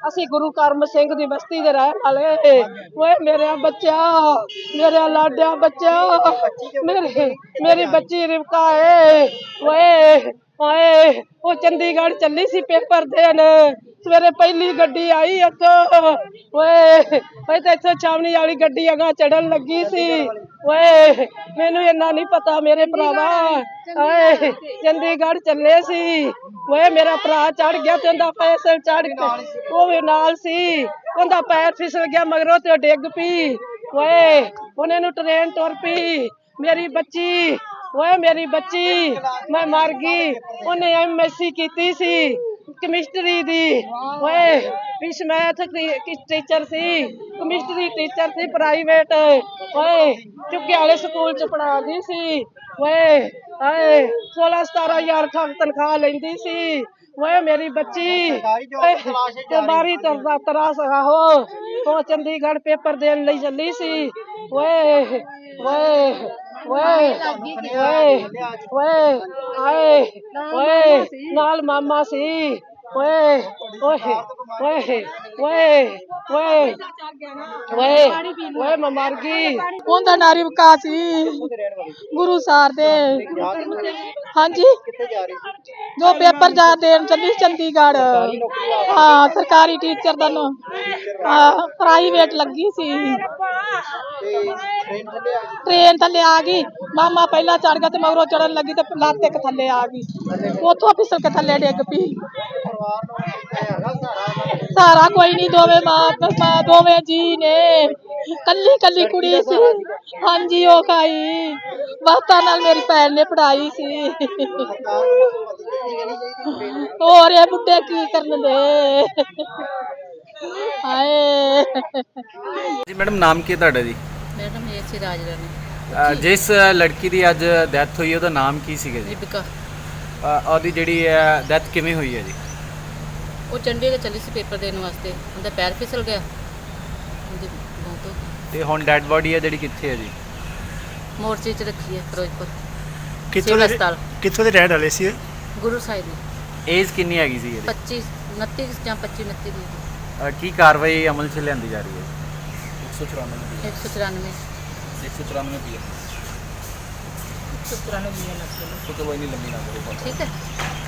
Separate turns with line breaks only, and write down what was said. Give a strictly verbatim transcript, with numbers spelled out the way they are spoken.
ਅਸੀਂ ਗੁਰੂ ਕਰਮ ਸਿੰਘ ਦੀ ਬਸਤੀ ਦੇ ਰਹਿਣ ਵਾਲੇ। ਓਏ ਮੇਰੇ ਬੱਚਾ, ਮੇਰੇ ਲਾਡਿਆ ਬੱਚਾ, ਮੇਰੇ ਮੇਰੀ ਬੱਚੀ ਰਿਵਕਾ ਏ। ਓਏ ਓਏ ਉਹ ਚੰਡੀਗੜ੍ਹ ਚੱਲੀ ਸੀ ਪੇਪਰ ਦੇਣ, ਸਵੇਰੇ ਪਹਿਲੀ ਗੱਡੀ ਆਈ ਇੱਥੋਂ। ਓਏ ਓਏ ਤੇ ਇੱਥੋਂ ਛਾਵਣੀ ਵਾਲੀ ਗੱਡੀ ਅਗਾ ਚੜਨ ਲੱਗੀ ਸੀ। ਓਏ ਮੈਨੂੰ ਇੰਨਾ ਨਹੀਂ ਪਤਾ ਮੇਰੇ ਭਰਾਵਾ। ਓਏ ਚੰਡੀਗੜ੍ਹ ਚੱਲੇ ਸੀ। ਓਏ ਮੇਰਾ ਭਰਾ ਚੜ ਗਿਆ ਤੇ ਉਹਦਾ ਪੈਸਲ ਚੜ ਕੇ ਉਹ ਵੀ ਨਾਲ ਸੀ, ਉਹਦਾ ਪੈਰ ਫਿਸਲ ਗਿਆ ਮਗਰੋਂ ਤੇ ਉਹ ਡਿੱਗ ਪਈ। ਓਏ ਉਹਨੇ ਨੂੰ ਟ੍ਰੇਨ ਤੁਰ ਪਈ। ਮੇਰੀ ਬੱਚੀ, ਓਏ ਮੇਰੀ ਬੱਚੀ ਮੈਂ ਮਰ ਗਈ। ਉਹਨੇ ਐਮ ਐਸ ਸੀ ਕੀਤੀ ਸੀ ਕੈਮਿਸਟਰੀ ਦੀ। ਓਏ ਪਿਛ ਮੈਥ ਟੀਚਰ ਸੀ, ਕੈਮਿਸਟਰੀ ਟੀਚਰ ਸੀ ਪ੍ਰਾਈਵੇਟ। ਓਏ ਚੁੱਕੇ ਵਾਲੇ ਸਕੂਲ ਚ ਪੜ੍ਹਾਉਂਦੀ ਸੀ। ਓਏ ਹਾਏ ਸੋਲਾਂ ਸਤਾਰਾਂ ਹਜ਼ਾਰ ਤਨਖਾਹ ਲੈਂਦੀ ਸੀ। ਓਏ ਮੇਰੀ ਬੱਚੀ ਬਾਰੀ ਤਰਦਾ ਤਰਾਸ ਆਹੋ ਉਹ ਚੰਡੀਗੜ੍ਹ ਪੇਪਰ ਦੇਣ ਲਈ ਚੱਲੀ ਸੀ। ਓਏ ਓਏ ਓਏ ਓਏ ਓਏ ਆਏ ਓਏ ਨਾਲ ਮਾਮਾ ਸੀ। ਓਏ ਓਏ ਓਏ ਓਏ ਓਏ ਓਏ ਓਏ ਮੈਂ ਮਰ ਗਈ। ਉਹਦਾ ਨਾਂ ਰਿਵਕਾ ਸੀ, ਗੁਰੂ ਸਾਰ ਦੇ। ਹਾਂਜੀ ਜੋ ਪੇਪਰ ਜਾ ਦੇਣ ਚੱਲੀ ਚੰਡੀਗੜ੍ਹ। ਹਾਂ ਸਰਕਾਰੀ ਟੀਚਰ ਦਾ ਨਾ ਪ੍ਰਾਈਵੇਟ ਲੱਗੀ ਸੀ। ਟ੍ਰੇਨ ਥੱਲੇ ਆ ਗਈ, ਮਾਮਾ ਪਹਿਲਾਂ ਚੜ ਗਿਆ ਤੇ ਮਗਰੋਂ ਚੜਨ ਲੱਗੀ ਤੇ ਲੱਤ ਇੱਕ ਥੱਲੇ ਆ ਗਈ, ਉੱਥੋਂ ਫਿਸਲ ਕੇ ਥੱਲੇ ਡਿੱਗ ਪਈ। ਸਾਰਾ ਕੋਈ ਨਹੀਂ, ਦੋਵੇਂ ਮਾਂ ਦੋਵੇਂ ਜੀ ਨੇ, ਕੱਲੀ ਕੱਲੀ ਕੁੜੀ ਸੀ। ਹਾਂਜੀ ਉਹ ਖਾਈ ਵਕਤਾਂ ਨਾਲ ਮੇਰੀ ਭੈਣ ਨੇ ਪੜ੍ਹਾਈ ਸੀ। ਹੋਰ ਇਹ ਬੁੱਢੇ ਕੀ ਕਰਨ ਦੇ। ਹਾਏ
ਜੀ ਮੈਡਮ ਨਾਮ ਕੀ ਹੈ ਤੁਹਾਡਾ ਜੀ?
ਮੇਰਾ ਨਾਮ ਇਹ ਸੀ ਰਾਜ ਰਾਣੀ।
ਜਿਸ ਲੜਕੀ ਦੀ ਅੱਜ ਡੈਥ ਹੋਈ ਉਹਦਾ ਨਾਮ ਕੀ ਸੀਗਾ ਜੀ?
ਰਿਬਕਾ।
ਉਹਦੀ ਜਿਹੜੀ ਡੈਥ ਕਿਵੇਂ ਹੋਈ ਹੈ ਜੀ?
ਉਹ ਚੰਡੀਗੜ੍ਹ ਚੱਲੀ ਸੀ ਪੇਪਰ ਦੇਣ ਵਾਸਤੇ, ਉਹਦਾ ਪੈਰ ਫਿਸਲ ਗਿਆ, ਉਹਦੀ ਮੌਤ ਹੋ ਗਈ।
ਤੇ ਹੁਣ ਡੈਡ ਬੋਡੀ ਹੈ ਜਿਹੜੀ ਕਿੱਥੇ ਹੈ ਜੀ?
ਮੋਰਚੇ 'ਚ ਰੱਖੀ ਹੈ ਫਿਰੋਜ਼ਪੁਰ
ਕਿੱਥੋਂ ਦੇ
ਹਸਪਤਾਲ।
ਕਿੱਥੋਂ ਦੇ ਰਹਿਣ ਵਾਲੇ ਸੀ?
ਗੁਰੂ ਸਾਹਿਬ ਦੀ।
ਏਜ ਕਿੰਨੀ ਹੈਗੀ ਸੀ ਇਹਦੀ?
ਪੱਚੀ ਉਨੱਤੀ ਜਾਂ ਪੱਚੀ ਉਨੱਤੀ ਦੀ।
ਅਹ ਕੀ ਕਾਰਵਾਈ ਅਮਲ 'ਚ ਲਿਆਂਦੀ ਜਾ ਰਹੀ ਹੈ?
ਇੱਕ ਸੌ ਚੁਰਾਨਵੇਂ
ਇੱਕ ਸੌ ਚੁਰਾਨਵੇਂ ਵੀ ਹੈ।
ਇੱਕ ਸੌ ਚੁਰਾਨਵੇਂ
ਕੋਈ ਨਹੀਂ ਲੰਮੀ ਨਾ ਕਰੋ।
ਠੀਕ ਹੈ।